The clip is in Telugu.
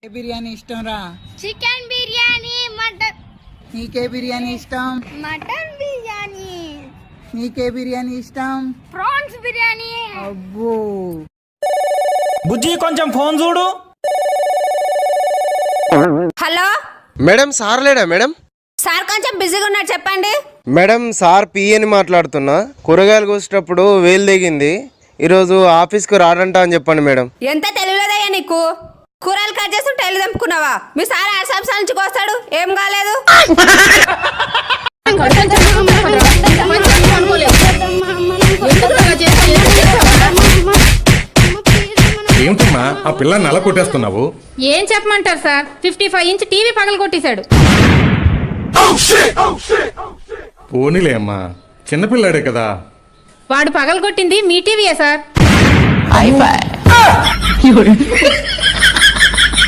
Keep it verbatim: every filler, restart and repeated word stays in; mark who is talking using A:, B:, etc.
A: బిర్యానీ ఇష్టం రా?
B: Chicken biryani, mutton.
A: నీకే బిర్యానీ ఇష్టం?
B: మటన్ బిర్యానీ.
A: నీకే బిర్యానీ ఇష్టం?
B: ప్రాన్స్ బిర్యానీ.
A: అబ్బో.
C: బుజ్జి కొంచెం ఫోన్ చూడు.
D: హలో
E: మేడం, సార్ లేడా మేడం?
D: సార్ కొంచెం బిజీగా ఉన్నారు, చెప్పండి.
E: మేడం, సార్ పి అని మాట్లాడుతున్నా. కూరగాయలు కోసేటప్పుడు వేలు దిగింది, ఈరోజు ఆఫీస్కి రాడంట అని చెప్పండి మేడం.
D: ఎంత తెలియలేదయ్యా నీకు? కూరలు కట్ చేస్తుంటే వెళ్ళి తెంపుకున్నావా? మీ సార్ ఆరు సంవత్సరాల నుంచి కోస్తాడు, ఏం కాలేదు.
F: ఏమిటమ్మా ఆ పిల్ల నల్ల కొట్టేస్తున్నావు?
G: ఏం చెప్పమంటారు sir, fifty five inch TV పగల కొట్టేశాడు.
F: పోనీలే అమ్మా, చిన్నపిల్లాడే కదా.
G: వాడు పగల కొట్టింది మీ టీవీయే సార్.